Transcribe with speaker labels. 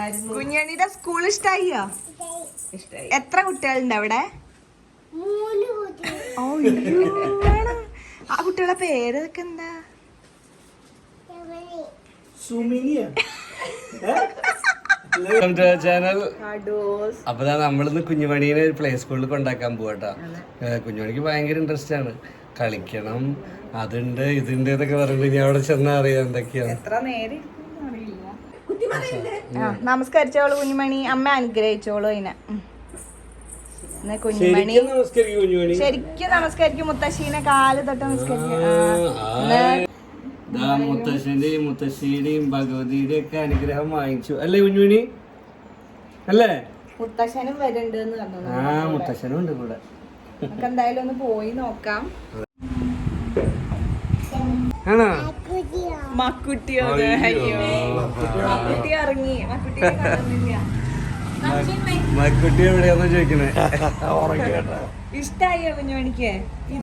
Speaker 1: കുഞ്ഞണിയുടെ school ഇഷ്ടായോ? എത്ര കുട്ടികളുണ്ട് അവിടെ? ആ കുട്ടികളെ പേരൊക്കെ എന്താ?
Speaker 2: ചാനൽ. അപ്പൊ നമ്മളിന്ന് കുഞ്ഞുമണീനെ പ്ലേ സ്കൂളിൽ കൊണ്ടാക്കാൻ പോവാട്ടോ. കുഞ്ഞുമണിക്ക് ഭയങ്കര ഇൻട്രസ്റ്റ് ആണ്, കളിക്കണം, അതുണ്ട് ഇതുണ്ട് എന്നൊക്കെ പറയുമ്പോ ഇനി അവിടെ ചെന്നാ അറിയാം എന്തൊക്കെയാണ്.
Speaker 1: നമസ്കരിച്ചോളൂ കുഞ്ഞുമണി, അമ്മ അനുഗ്രഹിച്ചോളൂ അതിനെ. കുഞ്ഞുമണി ശരിക്കും നമസ്കരിക്കും, മുത്തശ്ശീനെ കാല് തൊട്ട് നമസ്കരിക്കും.
Speaker 2: മുത്തശ്ശന്റെയും മുത്തശ്ശിയുടെയും ഭഗവതിയുടെയും ഒക്കെ അനുഗ്രഹം വാങ്ങിച്ചു അല്ലേ കുഞ്ഞുമണി? അല്ലേ?
Speaker 1: മുത്തശ്ശനും വരുന്നുണ്ട്.
Speaker 2: മുത്തശ്ശനും ഉണ്ട് കൂടെ.
Speaker 1: നമുക്ക് എന്തായാലും ഒന്ന് പോയി നോക്കാം.
Speaker 2: ആണോ?
Speaker 1: മക്കുട്ടിയോ? അയ്യോ, മക്കുട്ടി ഇറങ്ങി. മക്കുട്ടിയെ കാണുന്നില്ല.
Speaker 2: മക്കുട്ടി എവിടെയാന്ന് ചോദിക്കണേ.
Speaker 1: ഇഷ്ടായോ കുഞ്ഞുമണിക്ക്?